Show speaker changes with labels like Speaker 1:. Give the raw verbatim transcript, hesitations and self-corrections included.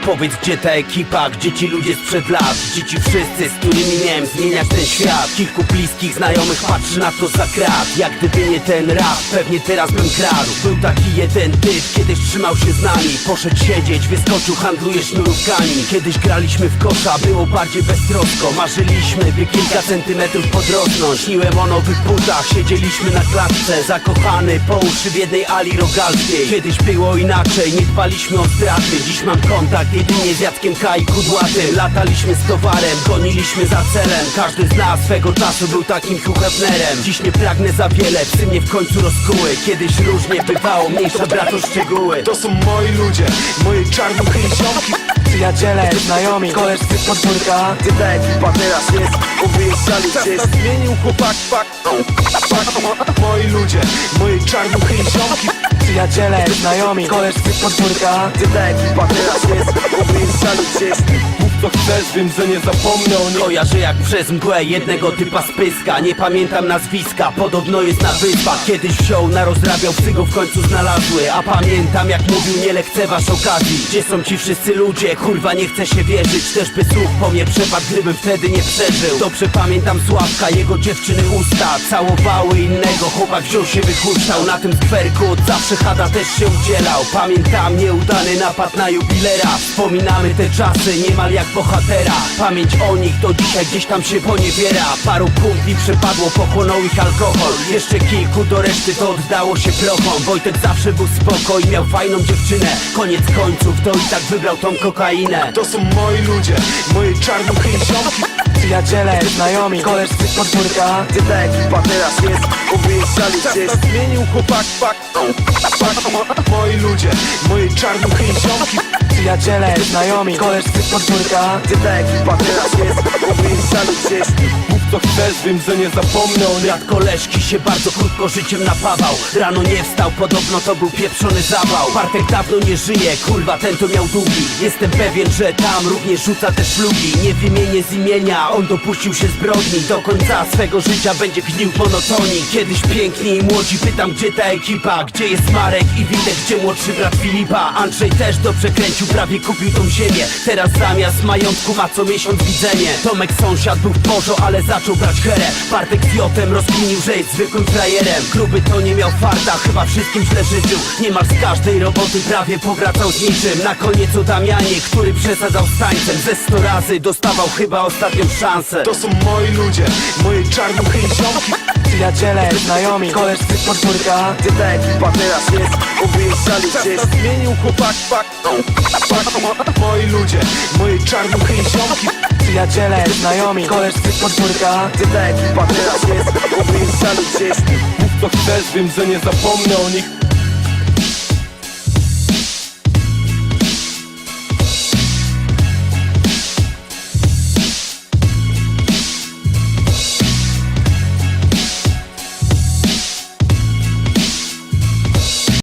Speaker 1: Powiedz, gdzie ta ekipa, gdzie ci ludzie sprzed lat, gdzie ci wszyscy, z którymi miałem zmieniać ten świat. Kilku bliskich znajomych patrzy na to za krat. Jak gdyby nie ten rap, pewnie teraz bym kradł. Był taki jeden typ, kiedyś trzymał się z nami. Poszedł siedzieć, wyskoczył, handluje sznurówkami. Kiedyś graliśmy w kosza, było bardziej beztrosko. Marzyliśmy, by kilka centymetrów podrosnąć. Śniłem o nowych butach, siedzieliśmy na klatce. Zakochany po uszy w jednej ali rogalskiej. Kiedyś było inaczej, nie dbaliśmy o straty. Dziś mam kontakt jedynie z Jackiem K i Kudłatym. Lataliśmy z towarem, goniliśmy za celem. Każdy z nas swego czasu był takim Hugh Hefnerem. Dziś nie pragnę za wiele, psy mnie w końcu rozkuły. Kiedyś różnie bywało, mniejsza brat o szczegóły.
Speaker 2: To są moi ludzie, moje czarnuchy i ziomki.
Speaker 3: Przyjaciele, znajomi, koleżcy z podwórka.
Speaker 2: Gdzie ta ekipa teraz jest, wyjeżdżali gdzieś. Czas zmienił chłopak, pak, pak. Moi ludzie, moje czarnuchy i ziomki.
Speaker 3: Przyjaciele, znajomi, koleżcy z podwórka.
Speaker 2: Gdzie ta ekipa teraz jest, wyjeżdżali gdzieś. Mów co chcesz, wiem, że nie zapomnę o niej.
Speaker 1: Kojarzę jak przez mgłę jednego typa z Pyska. Nie pamiętam nazwiska, podobno jest na wyspach. Kiedyś wziął, narozrabiał, psy go w końcu znalazły. A pamiętam jak mówił, nie lekceważ okazji. Gdzie są ci wszyscy ludzie, kurwa nie chce się wierzyć. Też by słuch po mnie przepadł, gdybym wtedy nie przeżył. Dobrze pamiętam Sławka, jego dziewczyny usta całowały innego, chłopak wziął się wychuczał. Na tym skwerku od zawsze Hada też się udzielał. Pamiętam nieudany napad na jubilera. Wspominamy te czasy niemal jak bohatera. Pamięć o nich do dzisiaj gdzieś tam się poniewiera. Paru kumpli przepadło, pochłonął ich alkohol. Jeszcze kilku do reszty to oddało się prochom. Wojtek zawsze był spoko i miał fajną dziewczynę. Koniec końców to i tak wybrał tą kokainę.
Speaker 2: To są moi ludzie, moje czarnuchy i ziomki.
Speaker 3: Przyjaciele, znajomi, koleżcy z podwórka.
Speaker 2: Gdzie ta ekipa teraz jest, wyjeżdżali gdzieś. Czas zmienił chłopak, pak, pak. Moi ludzie, moje czarnuchy i ziomki.
Speaker 3: Przyjaciele, znajomi, koleżcy z podwórka.
Speaker 2: Gdzie ta ekipa teraz jest, wyjeżdżali gdzieś. Mów co chcesz, wiem, że nie zapomnę o niej.
Speaker 1: Brat koleżki się bardzo krótko życiem napawał. Rano nie wstał, podobno to był pieprzony zawał. Bartek dawno nie żyje, kurwa ten to miał długi. Jestem pewien, że tam również rzuca te szlugi. Nie wymienię z imienia, on dopuścił się zbrodni. Do końca swego życia będzie gnił monotonii. Kiedyś piękni i młodzi, pytam gdzie ta ekipa. Gdzie jest Marek i Witek, gdzie młodszy brat Filipa. Andrzej też dobrze kręcił, prawie kupił tą ziemię. Teraz zamiast majątku ma co miesiąc widzenie. Tomek sąsiad był w porzo, ale zaczął brać herę. Bartek z Jotem rozkminił, że jest zwykłym frajerem. Kluby to nie miał farta, chyba wszystkim źle życzył. Niemal z każdej roboty prawie powracał z niczym. Na koniec o Damianie, który przesadzał z tańcem. Ze sto razy dostawał chyba ostatnią szansę.
Speaker 2: To są moi ludzie, moje czarnuchy i ziomki.
Speaker 3: Przyjaciele, znajomi, koleżcy z podwórka.
Speaker 2: Gdzie ta ekipa teraz jest, wyjeżdżali gdzieś. Czas zmienił chłopak, pak, pak. Moi ludzie, moje czarnuchy i ziomki.
Speaker 3: Przyjaciele, znajomi, koleżcy z podwórka.
Speaker 2: Gdzie ta ekipa teraz jest, wyjeżdżali gdzieś. Mów co chcesz, wiem, że nie zapomnę o nich.